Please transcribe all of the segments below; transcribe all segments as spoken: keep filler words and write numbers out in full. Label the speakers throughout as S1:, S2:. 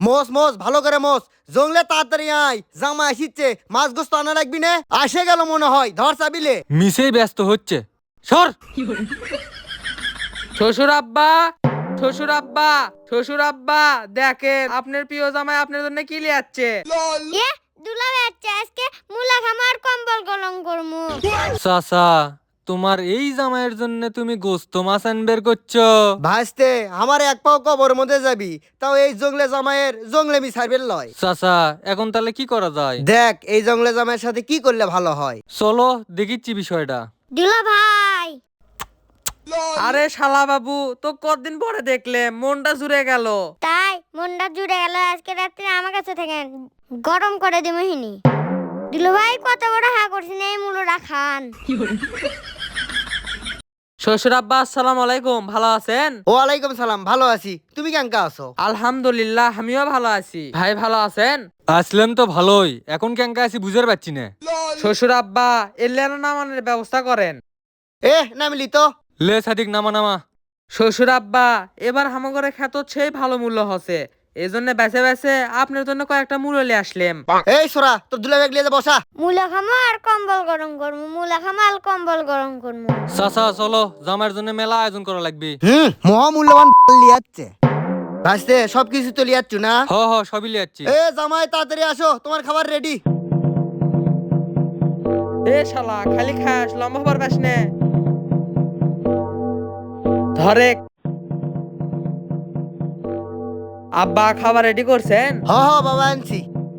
S1: মোস মোস ভালো করে মোস জংলে তাড়াতাড়ি আয় জামা আসিচ্ছে মাছ গোস্ত আনা রাখবি না আসে গেল মনে হয় ধর চাবিলে
S2: মিসেই ব্যস্ত হচ্ছে সর। শ্বশুর আব্বা, শ্বশুর আব্বা, শ্বশুর আব্বা, দেখেন আপনার প্রিয় জামাই আপনার জন্য কি লিয়াচ্ছে।
S3: এ দুলা বাচ্চা আজকে মুলা খামার কম্বল গলম করমু।
S2: চাচা, তোমার এই জামাইয়ের জন্য তুমি গোস্ত মাছ আনবের করছো?
S1: ভাসতে আমার এক পাও কবর মধ্যে যাবি তাও এই জংলে জামাইয়ের জংলে মি সার্ভের লয়।
S2: চাচা, এখন তাহলে কি করা যায়?
S1: দেখ এই জংলে জামাইয়ের সাথে কি করলে ভালো হয়।
S2: চলো দেখিচ্ছি বিষয়টা।
S3: দুলা ভাই
S2: আরে শালা বাবু, তো কতদিন পরে দেখলে মনটা জুড়ে গেল।
S3: তাই মনটা জুড়ে গেল, আজকে রাত্রে আমার কাছে থাকেন গরম করে দিমহিনি। দুলা ভাই কত বড় হা করছেন এই মুলোটা খান।
S2: শ্বশুর আব্বা আসসালামু আলাইকুম, ভালো আছেন?
S1: ওয়ালাইকুম সালাম, ভালো আছি, তুমি কেমন আছো?
S2: আলহামদুলিল্লাহ, আমিও ভালো আছি। ভাই ভালো আছেন? আসলাম তো ভালোই, এখন কেঙ্কা আছি বুঝতে পারছি না। শ্বশুর আব্বা এলেন নামানোর ব্যবস্থা করেন।
S1: এ নামিলি তো।
S2: লে সাদিক নামা নামা। শ্বশুর আব্বা এবার হামাগরে খ্যাত সেই ভালো মূল্য হচ্ছে, এই জন্য বেছে বেছে আপনার জন্য কয়েকটা মূল্য লিয়ে আসলাম।
S1: এই সোরা তোর দুলা ব্যাগ লিয়ে যা বসা।
S3: মুলা খামার কম্বল গরম করমু, মুলা খামার কম্বল গরম করমু।
S2: চাচা চলো, জামাইয়ের জন্য মেলা আয়োজন করা লাগবে।
S1: হুম মহামূল্যবান লিয়াচ্ছে ভাসতে সবকিছু তো লিয়াচ্ছু না।
S2: হ হ সবই লিয়াচ্ছি।
S1: এ জামাই তাড়াতাড়ি আসো, তোমার খাবার রেডি।
S2: এ শালা খালি খাস, লম্বা হবার পাস নে। ধরে আব্বা খাবার রেডি করছেন?
S1: হ হ বাবা আনছি।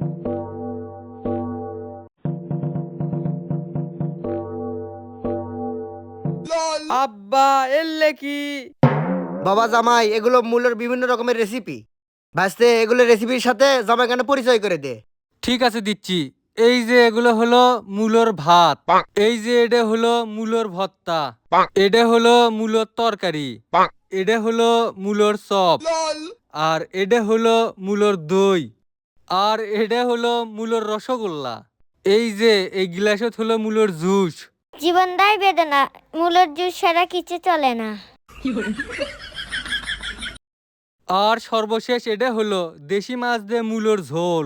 S2: আব্বা এলে কি?
S1: বাবা জামাই এগুলো মূলের বিভিন্ন রকমের রেসিপি ভাসতে, এগুলো রেসিপির সাথে জামাই কেন পরিচয় করে দে।
S2: ঠিক আছে দিচ্ছি। এই যে এগুলো হলো মূলর ভাত, এই যে এটা হলো মূলর ভর্তা, এটা হলো মূলর তরকারি, এটা হলো মূলর চপ, আর এটা হলো মূলর দই, আর এটা হলো মূলর রসগোল্লা। এই যে এই গ্লাসত হলো মূলর জুস।
S3: জীবন দায় বেদনা, মুলোর জুস ছাড়া কিছু চলে না।
S2: আর সর্বশেষ এটা হলো দেশি মাছ দিয়ে মূলর ঝোল।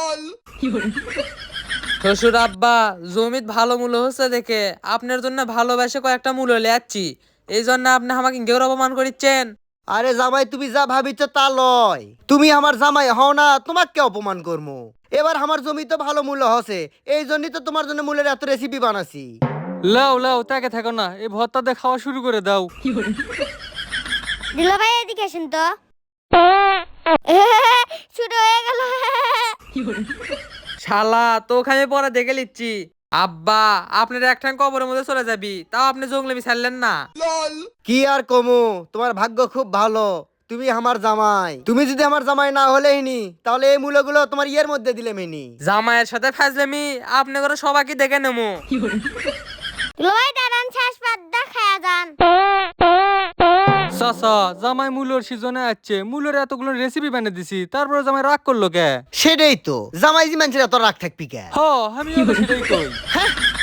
S2: শ্বশুর আব্বা জমিত ভালো মূল্য হচ্ছে দেখে আপনার জন্য ভালোবাসে কয়েকটা মূল্য লিয়াচ্ছি, এই জন্য আপনি আমাকে ঘের অপমান করিচ্ছেন।
S1: আরে জামাই তুমি যা ভাবিছ তা লয়, তুমি আমার জামাই হও না, তোমাকে অপমান করবো। এবার আমার জমি তো ভালো মূল্য হসে, এই জন্যই তো তোমার জন্য মূলের এত রেসিপি বানাছি।
S2: লাও লাও তাকে থাকো না, এই ভর্তা দিয়ে খাওয়া শুরু করে দাও।
S3: দুলা ভাই এদিকে আসেন তো। শুরু হয়ে গেল।
S2: শালা তোকে আমি পরে দেখে লিচ্ছি। আব্বা আপনার একঠান কবরের মধ্যে চলে যাবি, তাও আপনি জঙ্গলেমি ছাড়লেন না।
S1: কি আর কমু, তোমার ভাগ্য খুব ভালো, তুমি আমার জামাই। তুমি যদি আমার জামাই না হলেই নি তাহলে এই মূল্যগুলো তোমার ইয়ের মধ্যে দিলে মেনি।
S2: জামাইয়ের সাথে ফাজলামি আপনি করে সবাইকে দেখে নেবো।
S3: দুলা ভাই দাঁড়ান, শেষ পাত দা খায়া যান।
S2: চাচা জামাই মূলর সিজনে আছে, মূলর এতগুলো রেসিপি বানিয়ে দিছি, তারপরে জামাই রাগ করলো কে?
S1: সেটাই তো, জামাই জি মানুষের এত রাগ থাকবি কে?
S2: হ আমিও তো সেটাই কই।
S1: হ্যাঁ